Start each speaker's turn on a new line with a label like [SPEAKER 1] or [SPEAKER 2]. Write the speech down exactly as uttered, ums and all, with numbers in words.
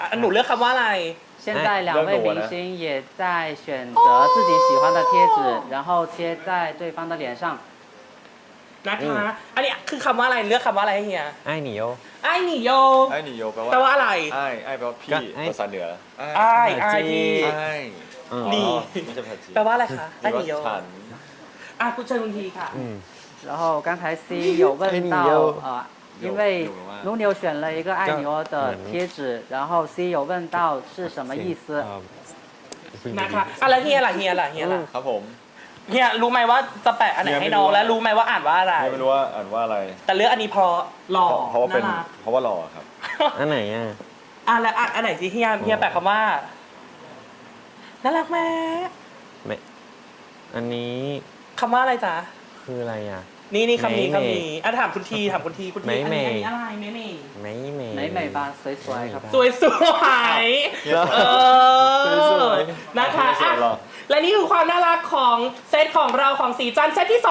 [SPEAKER 1] อ่ะหนูเลือกคำว่าอะไร
[SPEAKER 2] 现在两位明星也在选择自己喜欢的贴纸，然后贴在对方的脸上。
[SPEAKER 1] นะคะอันนี้คือคำว่าอะไรเลือกคำว่าอะไรให้เฮีย
[SPEAKER 3] ไอ้หนีโย
[SPEAKER 1] ไอ้หนีโย
[SPEAKER 4] ไอ้หนิโยแปลว่า
[SPEAKER 1] แปลว่าอะไร
[SPEAKER 4] ไอ้ไอ้แปลว่า
[SPEAKER 3] ก็
[SPEAKER 4] พี่
[SPEAKER 3] ไอ้
[SPEAKER 4] ภาษาเหนือ
[SPEAKER 1] ไอ้ไอ้พี่
[SPEAKER 4] ไอ้
[SPEAKER 3] อ๋อ
[SPEAKER 1] นี่
[SPEAKER 4] ไม่ใช่ภาษาจีน
[SPEAKER 1] แปลว่าอะไรคะไอ้หนีโย
[SPEAKER 4] ฉัน
[SPEAKER 1] อ่ะคุณเชิญคุณทีค่ะ
[SPEAKER 3] อืม
[SPEAKER 2] 然后刚才 C 有问到呃，因为努牛选了一个爱你哦的贴纸，然后 C 有问到是什么意思？
[SPEAKER 3] เอ่อ
[SPEAKER 1] นะคะอ่ะแล้วเฮียล่ะเฮียล่ะเฮียล่ะ
[SPEAKER 4] ครับผม
[SPEAKER 1] เฮียรู้ไหมว่าจะแปะอันไหนให้น้องแล้วรู้ไหมว่าอ่านว่าอะไร
[SPEAKER 4] ไม่รู้ว่าอ่านว่าอะไร
[SPEAKER 1] แต่เลือกอันนี้เพราะหล่อ
[SPEAKER 4] เพราะว่าเป็น
[SPEAKER 1] น่ารัก
[SPEAKER 4] เพราะว่าหล่อครับ
[SPEAKER 3] อันไหนอ่ะ
[SPEAKER 1] อ่ะแล้วอ่ะอันไหนที่เฮียเฮียแปะคำว่าน่ารักไหม
[SPEAKER 3] ไม่อันนี้
[SPEAKER 1] คำว่าอะไรจ๊ะ
[SPEAKER 3] คืออะไรอ่ะ
[SPEAKER 1] นี่นี่คำนี้
[SPEAKER 3] ไม่
[SPEAKER 1] คำนี้อ่ะถามคุณทีถามคุณทีคุณที
[SPEAKER 3] ไม่
[SPEAKER 1] อัน
[SPEAKER 3] ไม่
[SPEAKER 1] นี้อันนี้อะไรไม่ไม่
[SPEAKER 3] ไม่เม
[SPEAKER 2] 美美吧，สวยๆครับ
[SPEAKER 1] สวยสวยเออ
[SPEAKER 4] สวย
[SPEAKER 1] นะคะ
[SPEAKER 4] สวยหรอ
[SPEAKER 1] อ่ะและนี่คือความน่ารักของเซตของเราของสีจันทร์เซตที่สอง